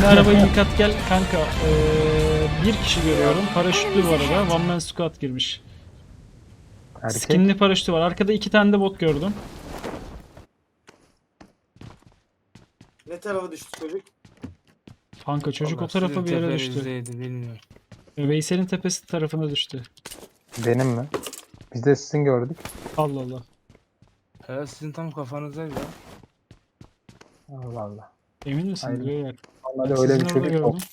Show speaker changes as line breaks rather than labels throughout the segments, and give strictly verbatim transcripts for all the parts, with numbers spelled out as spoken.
arabayı yıkat gel kanka. Ee, bir kişi görüyorum. Paraşütlü bu arada. One man squad girmiş.
Erkek.
Skinli paraşütü var. Arkada iki tane de bot gördüm.
Ne tarafa düştü çocuk?
Kanka çocuk o
Vallahi
tarafa
sizin
bir yere düştü.
tepenizdeydi, bilmiyorum.
Veysel'in tepesi tarafına düştü.
Benim mi? Biz de sizin gördük.
Allah Allah.
He, sizin tam kafanızdaydı ya.
Allah Allah.
Emin misin?
Aynen.
Beyler?
Vallahi
Sizin
öyle bir
orada
çocuk yok.
gördüm.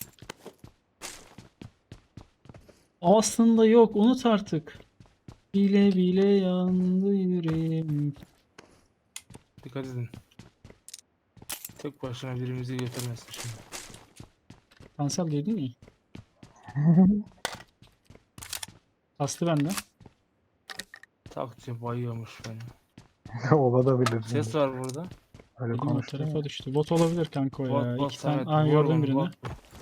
Aslında yok. Unut artık. Bile bile yandı yüreğim.
Dikkat edin. Tek başına birimizi götürmesin şimdi.
Kanser duydun mu? Aslı bende.
Takçı bayıyormuş beni.
Olabilir.
Ses var burada.
Öyle
Dedim o
konuştum.
tarafa düştü. Bot olabilir kanka o ya.
Bot bot
İki tane.
Samet.
Aa,
vur
gördüm
onu,
birini.
bot.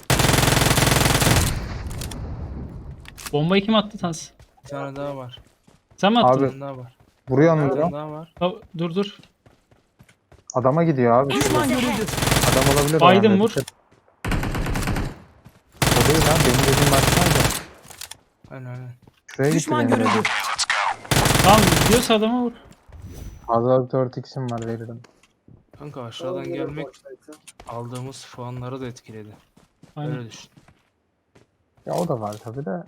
Bombayı kim attı Tans?
Bir tane daha var.
Sen mi attın?
Abi.
Bir tane daha var.
Vuruyor
Bir
mu?
tane daha var.
Aa, dur dur.
Adama gidiyor abi.
Düşman görüldü.
Adam olabilir. o
Biden
yani.
vur.
O değil lan. Benim dediğim başkan da.
Aynen aynen.
Şuraya gitti
Düşman
benim
görüldü.
dediğim.
Tamam gidiyorsa adama vur.
Fazla dört x'im var veririm.
Kanka aşağıdan
Oğlum,
gelmek
başlaysa.
aldığımız puanları da etkiledi.
Aynen.
Öyle düşün.
Ya o da var tabi de.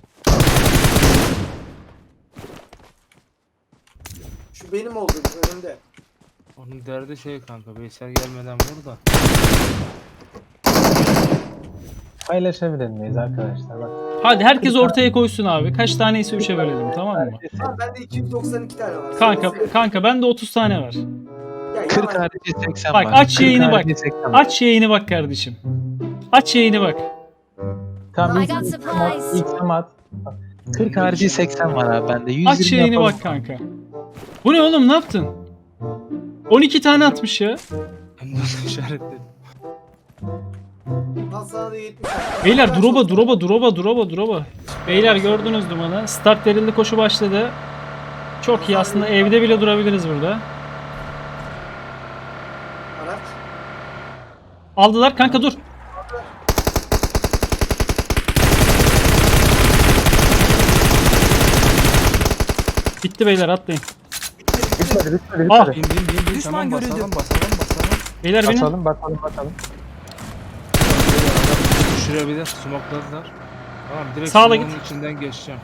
Şu benim oldu önümde.
Onun derdi şey kanka. Veysel gelmeden vur da.
Paylaşabilir miyiz arkadaşlar? Bak.
Hadi herkes ortaya koysun abi. Kaç taneyse üçe bölelim tamam mı?
Ha bende iki yüz doksan iki tane var.
Kanka
Sen-
kanka bende otuz tane var.
Ya,
kırk
yalan.
harici seksen
Bak,
var.
aç
kırk
yayını bak.
harici seksen var.
Aç yayını bak kardeşim. Aç yayını bak.
Tamam
I
ilk
got
ilk at.
supplies.
İlk at. kırk harici seksen var abi bende. yüz yirmi
Aç yayını
yapalım.
bak kanka. Bu ne oğlum ne yaptın? on iki tane atmış ya.
Hem de işaretledim.
Al sana da yetmiş.
Beyler
Kaç
droba
oldu?
droba droba droba droba. Beyler gördünüz dumanı. Start verildi koşu başladı. Çok iyi aslında evde bile durabiliriz burada.
Araç.
Aldılar kanka dur. Bitti beyler atlayın.
Bitmedi bitmedi
Ah.
bitmedi.
Bin bin bin bin.
Düşman
Tamam
görüldü.
basalım basalım basalım.
Beyler benim.
Basalım basalım basalım.
Düşürebilir. Smokladılar. Tamam direkt
Sağla
smoke'un
git.
içinden geçeceğim.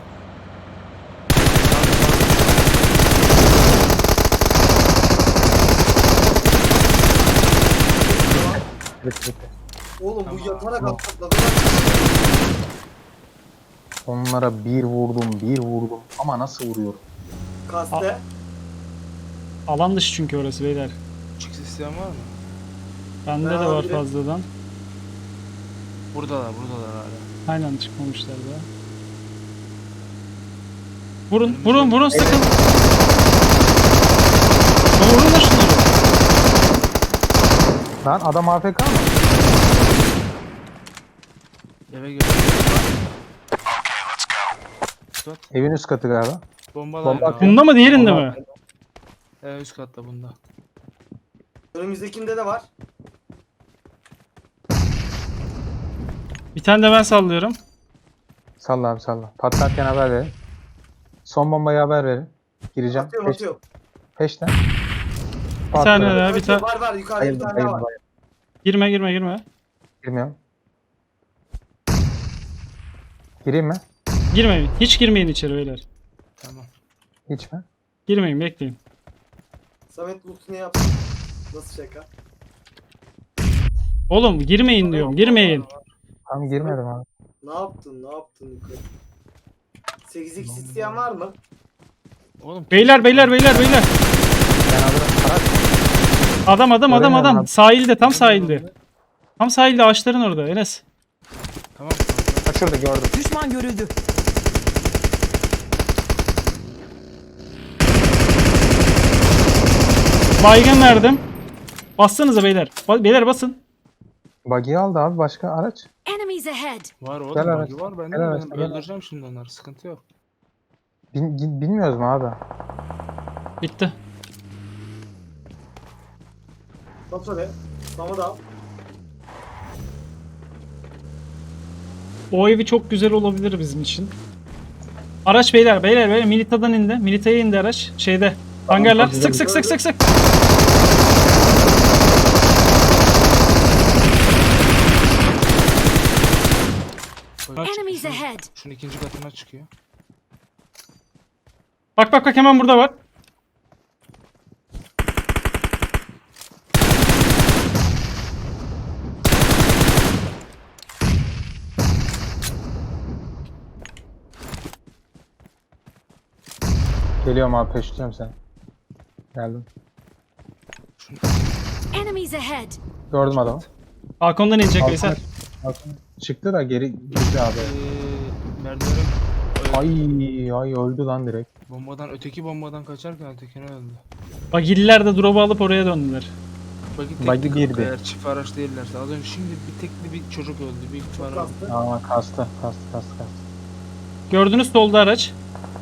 Bitti bitti.
Oğlum bu yatarak
Tamam.
atladı.
Onlara bir vurdum bir vurdum ama nasıl vuruyorum?
Kaste.
Alan dışı çünkü orası beyler.
Çık isteyen var mı?
Bende
Ben
de var
alabilirim.
fazladan.
Buradalar buradalar hala.
Aynen çıkmamışlar da. Vurun vurun vurun sakın. Lan vurun da şunları.
Lan adam A F K mı?
Eve gel. Tut.
Evin üst katı galiba.
Bombalar.
Bomba
ya.
atıyor.
Bunda mı diğerinde mi?
Evet üst katta bunda.
Önümüzdekinde de var.
Bir tane de ben sallıyorum.
Salla abi salla. Patlarken haber verin. Son bombayı haber verin. Gireceğim.
Atıyorum
Peş,
atıyorum.
peşten.
Bir tane daha bir
Atıyor,
tane.
Var var yukarıda bir
Bayıldım
tane daha
bayıldım
var.
bayıldım.
Girme girme girme.
Girmiyorum. Gireyim mi?
Girmeyin. Hiç girmeyin içeri beyler.
Tamam.
Hiç mi?
Girmeyin bekleyin.
Samet loot'unu yaptı. Nasıl şaka?
Oğlum girmeyin diyorum. Girmeyin.
Tam girmedim abi.
Ne yaptın ne yaptın yukarı? sekiz x isteyen var mı?
Oğlum
Beyler beyler beyler beyler.
Ben alırım. Karak.
Adam adam adam
Göremiyorum
adam.
abi.
Sahilde tam sahilde. Tam sahilde ağaçların orada Enes.
Tamam kanka.
Ha şurada gördüm.
Düşman görüldü.
Baygın verdim. Bassanıza beyler. Ba- beyler basın.
Buggy'i aldı abi. Başka araç.
Enemies ahead.
Var oğlum
Gel
bagi
araç,
var bende
gel
de
araç,
ben
gel
öldüreceğim şimdi onları sıkıntı yok.
Bin, bin- bilmiyoruz mu abi?
Bitti.
Bas oraya. Sana da al.
O evi çok güzel olabilir bizim için. Araç beyler beyler beyler Milita'dan indi. Milita'ya indi araç. Şeyde. Hangarlar.
çok
Sık
güzel.
sık sık sık sık.
Bak,
Enemies
şunun-
ahead.
Şunun ikinci katına çıkıyor.
Bak bak bak hemen burada var.
Geliyorum abi, peşliyorum seni. Geldim.
Enemies ahead.
Gördüm adamı.
Balkondan inecek
Balkona-
Veysel.
balkona Çıktı da geri girdi abi.
Ee, merdivene
Ay ay öldü lan direkt.
bombadan öteki bombadan kaçarken ötekine öldü.
Bagiller de drop'u alıp oraya döndüler.
Buggy tekli
Buggy
kanka,
girdi.
eğer çift araç değillerse. Az önce şimdi bir tekli bir çocuk öldü. Büyük ihtimalle.
Kastı.
Aa kastı kastı kastı kastı.
Gördünüz solda araç.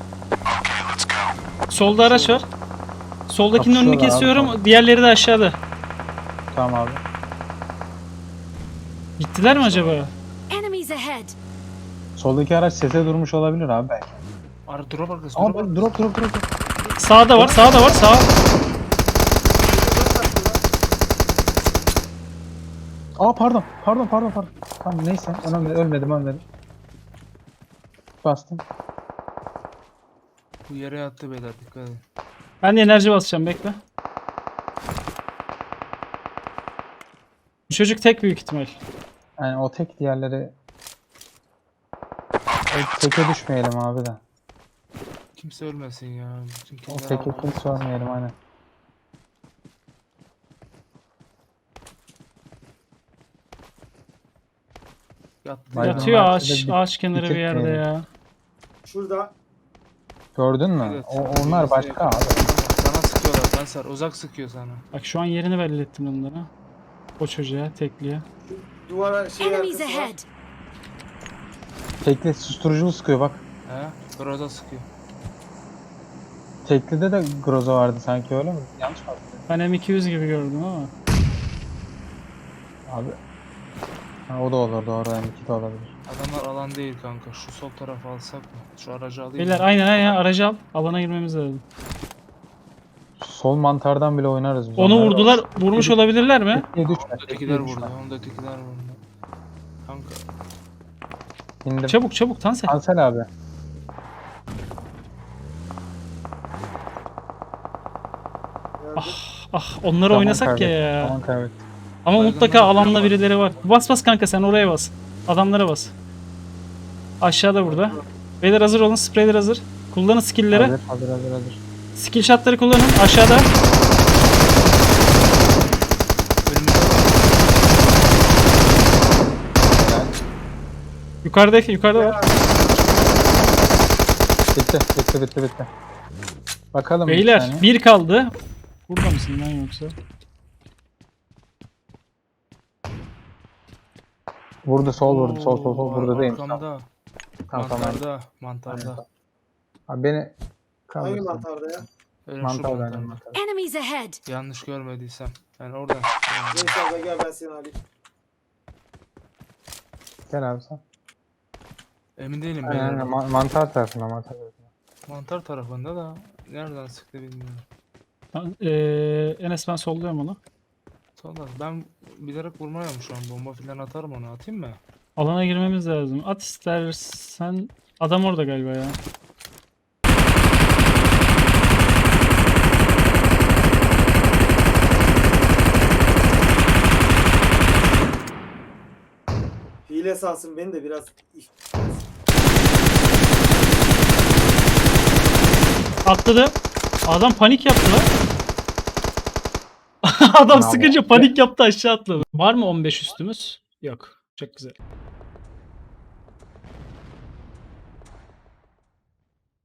Solda araç var. Soldakinin önünü
Kapışıyorlar abi,
kesiyorum.
tamam.
Diğerleri de aşağıda.
Tamam abi.
Gittiler mi acaba?
Enemies ahead.
Soldaki araç sese durmuş olabilir abi belki.
Ara drop arkası.
Aa
Drop
bak
arkası.
drop drop drop. drop.
Sağda var, sağda var, sağ.
Aa pardon pardon pardon pardon. Tamam neyse önemli, ölmedim ölmedim. Bastım.
Bu yere yattı beyler, dikkat edin.
Ben de enerji basacağım, bekle. Bu çocuk tek büyük ihtimal.
Yani o tek, diğerleri o teke düşmeyelim abi de.
Kimse ölmesin ya. Bütün
O
kimler
teke
aldı.
kimse ölmeyelim aynen.
Yattı.
Baygın
ya.
Yatıyor
var,
ağaç,
şurada bir-
ağaç kenarı bir yerde
bitirtmeyelim.
ya.
Şurada.
Gördün mü?
Evet.
O, onlar
Birisi
başka
yakın.
abi.
Sana sıkıyorlar Tansar. Uzak sıkıyor sana.
Bak şu an yerini belli ettim onlara. O çocuğa, tekliye.
Şu duvara şey
Enemies
arkası var.
ahead.
Tekli susturuculu sıkıyor bak.
He? Groza sıkıyor.
Teklide de Groza vardı sanki, öyle mi? Yanlış mı hatırlıyorum?
Ben M iki yüz gibi gördüm ama.
Abi. Ha, o da olur, doğru, M iki de olabilir.
Adamlar alan değil kanka. Şu sol tarafı alsak mı? Şu aracı alayım.
Beyler
mı?
aynen aynen aracı al. Alana girmemiz lazım.
Sol mantardan bile oynarız biz.
Onu
onları.
vurdular, vurmuş olabilirler mi?
Tekliye düşme.
Ötekiler
tekliye
vurdu.
düşme.
Onu da ötekiler vurdu. Kanka.
İndim.
Çabuk çabuk Tansel.
Cancel abi.
Nerede?
Ah onları
Zaman
oynasak ya
kaybettik,
ya.
Zaman kaybettik.
Ama
Baygınlar
mutlaka
yapıyor
alanda
ama.
birileri var. Bas bas kanka sen oraya bas. Adamlara bas. Aşağıda burada. Beyler hazır olun. Spreyler hazır. Kullanın skill'leri.
Hazır hazır hazır hazır.
Skill shot'ları kullanın. Aşağıda.
Önümüzde var.
Yukarıda yukarıda var.
Bitti bitti bitti bitti. Bakalım bir
Beyler
saniye.
bir kaldı. Burada mısın lan yoksa?
Vurdu, sol vurdu, sol sol sol,
Oo,
burada değilmiş.
arkamda.
Tamam tamam.
Mantarda. Mantarda.
Abi beni
Hangi
kaldırsın.
mantarda ya?
Öyle şu
Mantar
mantarda.
benden mantar.
Enemies ahead.
Yanlış görmediysem. Yani oradan.
Neyse abla gel ben seni alayım.
Gel abi sen.
Emin değilim
Aynen,
beyler.
aynen. Ma- mantar tarafına, mantar tarafına.
Mantar tarafında da nereden sıktı bilmiyorum.
Ben- Eee Enes ben solluyorum onu.
Sonra ben bilerek vurmuyorum şu an. Bomba filan atarım onu. Atayım mı?
Alana girmemiz lazım. At istersen. Adam orada galiba ya.
Hile salsın beni de biraz.
Atladı. Adam panik yaptı lan. Adam
Bravo.
sıkınca panik yaptı aşağı atladı. Var mı on beş üstümüz? Yok. Çok güzel.